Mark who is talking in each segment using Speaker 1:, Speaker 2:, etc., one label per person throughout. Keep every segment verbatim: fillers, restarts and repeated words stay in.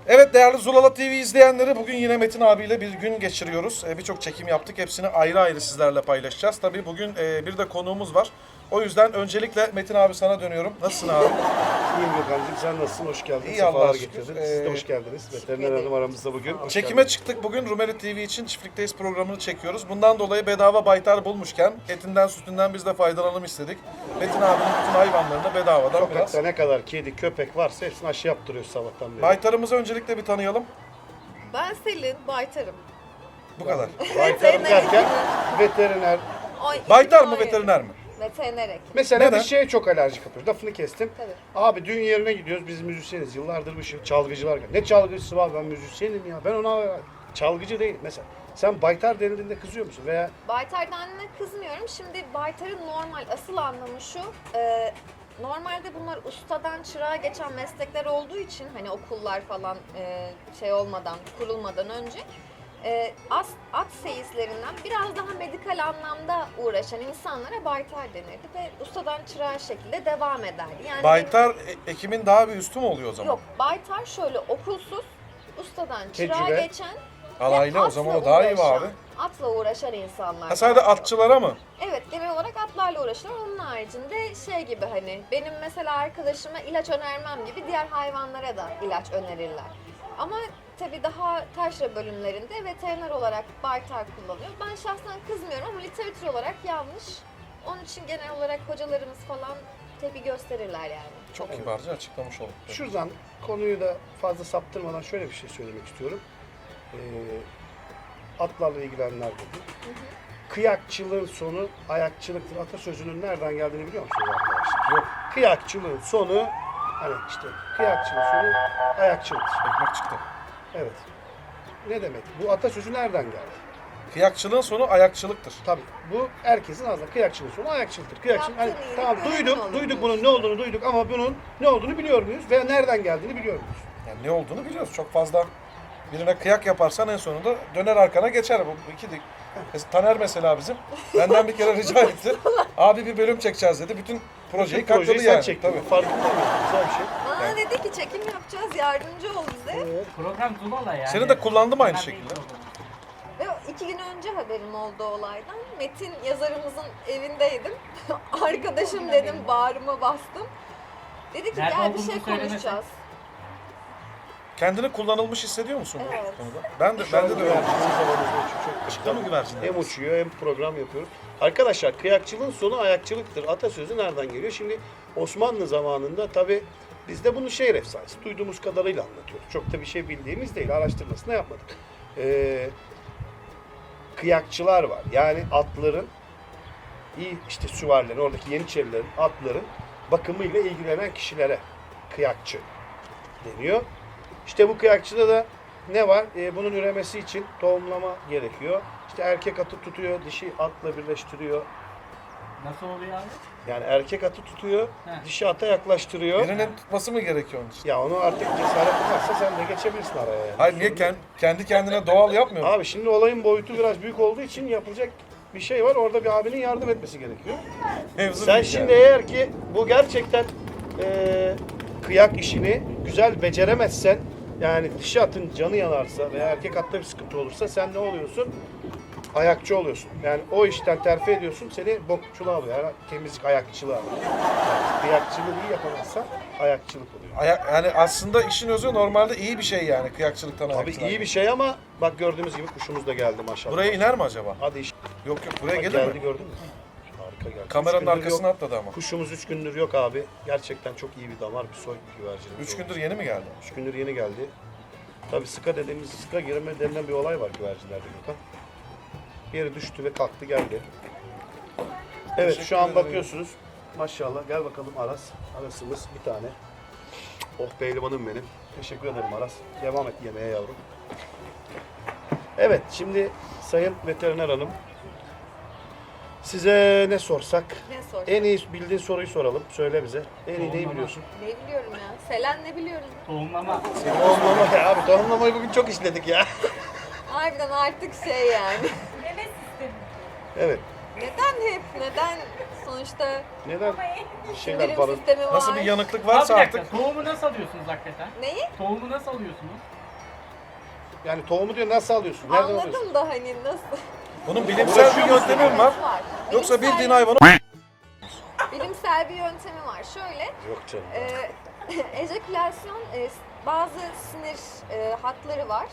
Speaker 1: Evet değerli Zulala T V izleyenleri, bugün yine Metin abiyle bir gün geçiriyoruz. Ee, Birçok çekim yaptık. Hepsini ayrı ayrı sizlerle paylaşacağız. Tabii bugün e, bir de konuğumuz var. O yüzden öncelikle Metin abi sana dönüyorum. Nasılsın abi?
Speaker 2: İyiyim Gökhan'cığım, sen nasılsın? Hoş geldin.
Speaker 1: İyi,
Speaker 2: Sefalar
Speaker 1: Allah'a şükür.
Speaker 2: getirdin.
Speaker 1: Ee,
Speaker 2: Siz de hoş geldiniz. Veteriner Hanım aramızda bugün. Hoş
Speaker 1: Çekime
Speaker 2: geldiniz.
Speaker 1: çıktık bugün. Rumeli T V için Çiftlikteyiz programını çekiyoruz. Bundan dolayı bedava baytar bulmuşken etinden sütünden biz de faydalanalım istedik. Metin abinin bütün hayvanlarını bedavadan biraz.
Speaker 2: Sokakta ne kadar kedi, köpek varsa hepsini aşı yaptırıyoruz sabahtan beri.
Speaker 1: Baytarımızı öncelikle bir tanıyalım.
Speaker 3: Ben Selin, baytarım.
Speaker 1: Bu kadar.
Speaker 2: Baytarım derken veteriner.
Speaker 3: Ay,
Speaker 1: Baytar mı
Speaker 3: hayır.
Speaker 1: veteriner mi?
Speaker 3: Veteriner hekim.
Speaker 2: Mesela
Speaker 1: Neden?
Speaker 2: bir şeye çok alerjik yapıyoruz. Lafını kestim.
Speaker 3: Tabii.
Speaker 2: Abi düğün yerine gidiyoruz. Biz müzisyeniz. Yıllardır bu şey çalgıcılar. Ne çalgıcısı var? Ben müzisyenim ya. Ben ona çalgıcı değil. Mesela sen baytar denildiğinde kızıyor musun? Veya
Speaker 3: Baytar dendiğine kızmıyorum. Şimdi baytarın normal, asıl anlamı şu. E, normalde bunlar ustadan çırağa geçen meslekler olduğu için hani okullar falan e, şey olmadan, kurulmadan önce e, as, at seyislerinden biraz daha medikal anlamda uğraşan insanlara baytar denirdi ve ustadan çırağa şekilde devam ederdi. Yani
Speaker 1: Baytar e- ekimin daha bir üstü mü oluyor o zaman?
Speaker 3: Yok, baytar şöyle okulsuz, ustadan çırağa
Speaker 2: Tecrübe.
Speaker 3: geçen
Speaker 1: Alaylı,
Speaker 3: ve
Speaker 1: o zaman o
Speaker 3: atla
Speaker 1: daha iyi mi
Speaker 3: uğraşan-
Speaker 1: abi?
Speaker 3: Atla uğraşan insanlar.
Speaker 1: Ha, sadece
Speaker 3: daha çok.
Speaker 1: atçılara mı?
Speaker 3: Evet, genel olarak atlarla uğraşıyorlar. Onun haricinde şey gibi hani benim mesela arkadaşıma ilaç önermem gibi diğer hayvanlara da ilaç önerirler. Ama tabii daha taşra bölümlerinde veteriner olarak baytar kullanıyor. Ben şahsen kızmıyorum ama literatür olarak yanlış. Onun için genel olarak hocalarımız falan tepki gösterirler yani.
Speaker 1: Çok kibarca açıklamış olduk.
Speaker 2: şuradan konuyu da fazla saptırmadan şöyle bir şey söylemek istiyorum. Ee, atlarla ilgilenenler dedi. Kıyakçılığın sonu ayakçılıktır atasözünün nereden geldiğini biliyor musunuz arkadaşlar?
Speaker 1: Yok.
Speaker 2: Kıyakçılığın sonu hani işte kıyakçılığın sonu ayakçılıktır.
Speaker 1: Ekmek çıktı.
Speaker 2: Evet. Ne demek? Bu atasözü nereden geldi?
Speaker 1: Kıyakçılığın sonu ayakçılıktır.
Speaker 2: Tabii bu herkesin ağzında kıyakçılığın sonu ayakçılıktır. Kıyakçılık, hani,
Speaker 3: Yaptığın iyilik
Speaker 2: tamam
Speaker 3: görenin
Speaker 2: duyduk,
Speaker 3: olur
Speaker 2: duyduk
Speaker 3: diyorsun.
Speaker 2: bunun ne olduğunu duyduk ama bunun ne olduğunu biliyor muyuz? Veya nereden geldiğini biliyor muyuz?
Speaker 1: Yani ne olduğunu biliyoruz. Çok fazla birine kıyak yaparsan en sonunda döner arkana geçer. Bu iki de. Mesela Taner mesela bizim. Benden bir kere rica etti. Abi bir bölüm çekeceğiz dedi. Bütün projeyi
Speaker 2: Bütün projeyi
Speaker 1: katladı
Speaker 2: sen
Speaker 1: yani.
Speaker 2: çektin.
Speaker 1: Tabii.
Speaker 2: Farkında mısın? Güzel bir şey.
Speaker 3: Bana dedi ki çekim yapacağız, yardımcı ol bize.
Speaker 4: Program Zulala yani.
Speaker 1: Seni de kullandım aynı
Speaker 4: Fena değil
Speaker 1: şekilde.
Speaker 4: program.
Speaker 3: Ve iki gün önce haberim oldu olaydan. Metin yazarımızın evindeydim. Arkadaşım dedim, bağrıma bastım. Dedi ki
Speaker 4: Nerede
Speaker 3: gel bir
Speaker 4: olduğunu
Speaker 3: şey
Speaker 4: söylemesen.
Speaker 3: konuşacağız.
Speaker 1: Kendini kullanılmış hissediyor musun bu
Speaker 3: Evet.
Speaker 1: konuda? Ben de,
Speaker 2: Şu an
Speaker 1: bende de öyle.
Speaker 2: güvercinimiz havamızda uçuyor. Çok
Speaker 1: Çıktı mı güvercinler?
Speaker 2: Hem uçuyor hem program yapıyoruz. Arkadaşlar kıyakçılığın sonu ayakçılıktır. Atasözü nereden geliyor? Şimdi Osmanlı zamanında tabi biz de bunu şehir efsanesi duyduğumuz kadarıyla anlatıyoruz. Çok da bir şey bildiğimiz değil. Araştırmasını yapmadık. Ee, kıyakçılar var. Yani atların iyi işte süvarilerin, oradaki yeniçerilerin, atların bakımıyla ilgilenen kişilere kıyakçı deniyor. İşte bu kıyakçıda da ne var? Ee, bunun üremesi için tohumlama gerekiyor. İşte erkek atı tutuyor, dişi atla birleştiriyor.
Speaker 4: Nasıl oluyor abi?
Speaker 2: Yani erkek atı tutuyor,
Speaker 4: Heh.
Speaker 2: dişi ata yaklaştırıyor.
Speaker 1: Birinin tutması mı gerekiyor onun için?
Speaker 2: Ya onu artık cesaret varsa sen de geçebilirsin araya yani.
Speaker 1: Hayır niye kend- kendi kendine doğal yapmıyor mu?
Speaker 2: Abi şimdi olayın boyutu biraz büyük olduğu için yapılacak bir şey var. Orada bir abinin yardım etmesi gerekiyor.
Speaker 1: Mevzu
Speaker 2: Sen
Speaker 1: büyük
Speaker 2: şimdi
Speaker 1: yani.
Speaker 2: eğer ki bu gerçekten eee, kıyak işini güzel beceremezsen, yani dişi atın canı yanarsa veya erkek atta bir sıkıntı olursa sen ne oluyorsun? Ayakçı oluyorsun. Yani o işten terfi ediyorsun, seni bokçuluğa alıyor. Yani temizlik ayakçılığa alıyor. Yani kıyakçılığı iyi yapamazsan ayakçılık oluyor.
Speaker 1: Aya- yani aslında işin özü normalde iyi bir şey yani kıyakçılıktan
Speaker 2: Tabii
Speaker 1: ayakçılığa.
Speaker 2: iyi bir şey ama bak gördüğümüz gibi kuşumuz da geldi maşallah.
Speaker 1: Buraya iner mi acaba?
Speaker 2: Hadi iş.
Speaker 1: Yok yok buraya
Speaker 2: Bak
Speaker 1: gelir
Speaker 2: geldi
Speaker 1: mi?
Speaker 2: gördün mü? Harika geldi.
Speaker 1: Kameranın
Speaker 2: Üç gündür
Speaker 1: arkasına
Speaker 2: yok.
Speaker 1: atladı ama.
Speaker 2: Kuşumuz üç gündür yok abi. Gerçekten çok iyi bir damar, bir soy güvercinimiz.
Speaker 1: Üç
Speaker 2: oldu.
Speaker 1: gündür yeni mi geldi?
Speaker 2: Üç gündür yeni geldi. Tabii sıka dediğimiz, sıka girme denilen bir olay var güvercinlerde Gökhan. Bir yere düştü ve kalktı geldi. Evet
Speaker 1: Teşekkür
Speaker 2: şu an
Speaker 1: ederim.
Speaker 2: bakıyorsunuz. Maşallah gel bakalım Aras. Arasımız bir tane. Oh pehlivanım benim. Teşekkür ederim Aras. Devam et yemeğe yavrum. Evet şimdi Sayın Veteriner Hanım. Size ne sorsak?
Speaker 3: Ne sor?
Speaker 2: En iyi bildiğin soruyu soralım. Söyle bize. En iyi neyi
Speaker 4: Tohumlama.
Speaker 2: biliyorsun?
Speaker 3: Ne biliyorum ya? Selen ne biliyoruz?
Speaker 4: Tohumlama.
Speaker 2: Tohumlama ya abi. Tohumlamayı bugün çok işledik ya.
Speaker 3: Harbiden artık şey yani.
Speaker 2: Evet.
Speaker 3: Neden hep? Neden sonuçta
Speaker 2: Neden? Bir şeyler
Speaker 3: sindirim
Speaker 2: falan.
Speaker 3: sistemi var.
Speaker 1: Nasıl bir yanıklık
Speaker 4: Abi bir
Speaker 1: varsa
Speaker 4: dakika,
Speaker 1: artık.
Speaker 4: tohumu nasıl alıyorsunuz hakikaten?
Speaker 3: Neyi?
Speaker 4: Tohumu nasıl alıyorsunuz?
Speaker 2: Yani tohumu diyor nasıl alıyorsun? Nereden alıyorsun?
Speaker 3: Anladım da hani nasıl?
Speaker 1: Bunun bilimsel bir yöntemi mi var?
Speaker 3: Var.
Speaker 1: Yoksa
Speaker 3: Bilimsel-
Speaker 1: bildiğin hayvanı
Speaker 3: Bilimsel bir yöntemi var. Şöyle,
Speaker 2: Yok canım.
Speaker 3: e, ejekülasyon e, bazı sinir e, hatları var.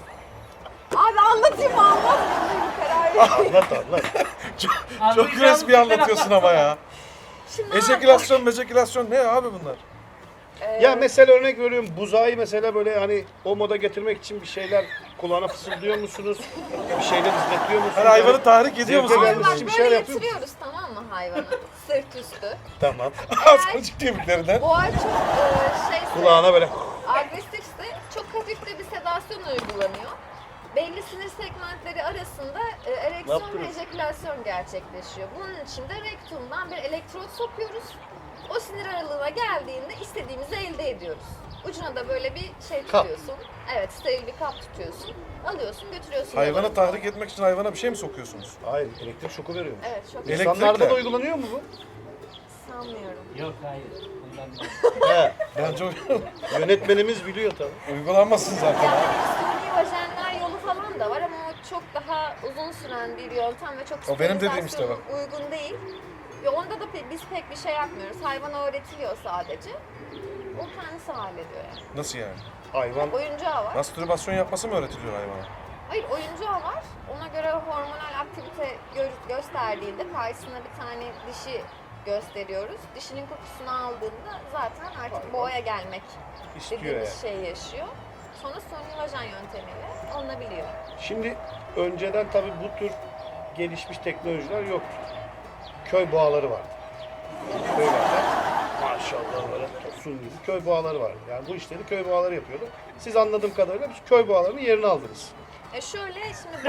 Speaker 3: Abi anlatayım mı anlatmayayım mı karar vereyim.
Speaker 2: Anlat anlat.
Speaker 1: çok
Speaker 4: Anlayacağınız
Speaker 1: resmi
Speaker 4: şeyler
Speaker 1: anlatıyorsun ama ya.
Speaker 3: Şimdi
Speaker 1: Ejekülasyon, mejekülasyon ne abi bunlar?
Speaker 3: e,
Speaker 2: Ya mesela örnek veriyorum buzağı mesela böyle hani o moda getirmek için bir şeyler kulağına fısıldıyor musunuz? Bir şeyler izletiyor musunuz?
Speaker 1: Her hayvanı tahrik ediyor
Speaker 2: Zevke
Speaker 1: musun?
Speaker 3: Abi
Speaker 2: gelmesi
Speaker 3: bak
Speaker 2: için bir
Speaker 3: böyle
Speaker 2: şeyler yapıyor musun?
Speaker 3: yatırıyoruz tamam mı hayvanı? Sırt üstü.
Speaker 2: Tamam.
Speaker 1: Asmancık kemiklerinden.
Speaker 3: Boğa çok e, şeyse,
Speaker 2: Kulağına böyle
Speaker 3: agresifse çok hafif de bir sedasyon uygulanıyor. Belli sinir segmentleri arasında e, ereksiyon ve
Speaker 2: yaptınız?
Speaker 3: ejekülasyon gerçekleşiyor. Bunun için de rektumdan bir elektrot sokuyoruz. O sinir aralığına geldiğinde istediğimizi elde ediyoruz. Ucuna da böyle bir şey
Speaker 2: Kap.
Speaker 3: tutuyorsun. Evet, steril bir kap tutuyorsun. Alıyorsun, götürüyorsun.
Speaker 1: Hayvanı
Speaker 3: yanına.
Speaker 1: tahrik etmek için hayvana bir şey mi sokuyorsunuz?
Speaker 2: hayır elektrik şoku veriyor.
Speaker 3: Evet, çok
Speaker 1: Elektrikle.
Speaker 2: İnsanlarda da uygulanıyor mu bu?
Speaker 3: sanmıyorum.
Speaker 4: Yok hayır. Ondan değil.
Speaker 2: He.
Speaker 1: Bence o-
Speaker 2: Yönetmenimiz biliyor tabii.
Speaker 1: uygulanmasın zaten.
Speaker 3: Yani suni vajenler yolu falan da var ama o çok daha uzun süren bir yöntem ve çok
Speaker 1: O benim dediğim işte bak.
Speaker 3: sterilizasyona uygun değil. Ve onda da pe- biz pek bir şey yapmıyoruz. Hayvana öğretiliyor sadece. O kendisi hallediyor yani.
Speaker 1: Nasıl yani?
Speaker 2: Hayvan
Speaker 3: Oyuncağı var.
Speaker 1: Mastürbasyon yapması mı öğretiliyor hayvana?
Speaker 3: Hayır oyuncağı var. Ona göre hormonal aktivite gö- gösterdiğinde karşısına bir tane dişi gösteriyoruz. Dişinin kokusunu aldığında zaten artık boğaya gelmek
Speaker 2: istiyor
Speaker 3: dediğimiz
Speaker 2: yani.
Speaker 3: şey yaşıyor. Sonra suni vajen yöntemiyle alınabiliyor.
Speaker 2: Şimdi önceden tabii bu tür gelişmiş teknolojiler yoktu. Köy boğaları vardı. Köylerde maşallah böyle tosun gibi köy boğaları vardı. Yani bu işleri köy boğaları yapıyordu. Siz anladığım kadarıyla biz köy boğalarının yerini aldınız.
Speaker 3: E şöyle şimdi bu...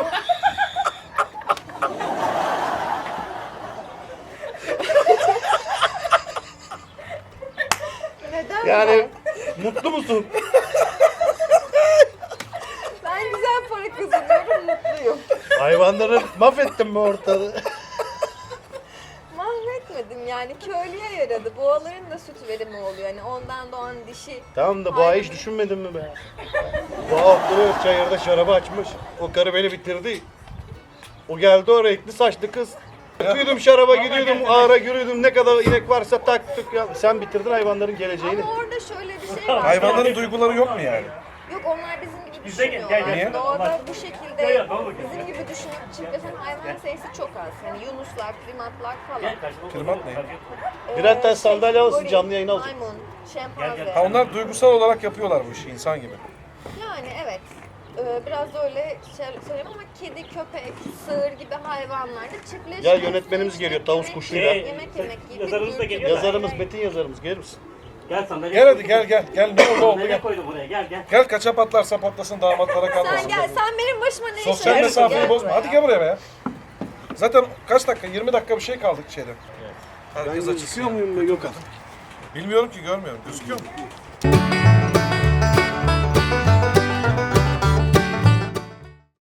Speaker 3: Neden
Speaker 2: Yani mutlu musun?
Speaker 3: ben? Ben güzel para kazanıyorum, mutluyum.
Speaker 2: Hayvanları mahvettin mi ortalığı?
Speaker 3: Mahvetmedim yani köylüye yaradı. Boğaların da süt verimi oluyor. Yani ondan doğan dişi.
Speaker 2: Tamam da boğa hiç düşünmedin mi be? Boğa oturuyor çayırda şarabı açmış. O karı beni bitirdi. O geldi o renkli saçlı kız. Gidiyordum şaraba gidiyordum ağra giriyordum ne kadar inek varsa taktık ya. Sen bitirdin hayvanların geleceğini.
Speaker 3: Ama orada şöyle bir şey var.
Speaker 1: Hayvanların duyguları yok mu yani?
Speaker 3: Yok onlar bizim gibi
Speaker 4: Bize gel, gel,
Speaker 3: düşünmüyorlar.
Speaker 1: gel.
Speaker 3: Doğada bu
Speaker 4: Gel,
Speaker 3: şekilde
Speaker 4: gel, doğru, gel.
Speaker 3: bizim gibi düşünüp çiftleşen hayvan sayısı çok az. Yani yunuslar, primatlar falan.
Speaker 1: Primat ne?
Speaker 3: Ee,
Speaker 2: Birer tane sandalye alsın,
Speaker 3: goril,
Speaker 2: canlı yayına alsın.
Speaker 3: Maymun, şempanze.
Speaker 1: Ha onlar duygusal olarak yapıyorlar bu işi insan gibi.
Speaker 3: Yani evet. Ee, biraz da öyle şey söyleyeyim ama kedi, köpek, sığır gibi hayvanlarda çiftleşmek.
Speaker 2: Ya yönetmenimiz geliyor, tavus
Speaker 3: yemek
Speaker 2: kuşuyla.
Speaker 3: yemek, Yemek yemek gibi.
Speaker 4: Yazarımız da
Speaker 3: bir-
Speaker 4: geliyor.
Speaker 2: Yazarımız, Metin yazarımız gelir misin?
Speaker 4: Gel sandalye.
Speaker 1: Gel hadi gel gel. Gel ne oldu oldu
Speaker 4: Sandalye
Speaker 1: gel.
Speaker 4: koydum buraya gel gel.
Speaker 1: Gel kaça patlarsa patlasın damatlara kalmasın.
Speaker 3: Sen gel, sen benim başıma ne iş
Speaker 1: Sosyal
Speaker 3: yapıyorsun?
Speaker 1: mesafeyi
Speaker 3: Gel
Speaker 1: bozma.
Speaker 3: buraya.
Speaker 1: Hadi gel buraya be. Zaten kaç dakika? yirmi dakika bir şey kaldık şeyden. Herkes açısın.
Speaker 2: muyum be Gökhan?
Speaker 1: Bilmiyorum ki görmüyorum. Gözüküyor mu?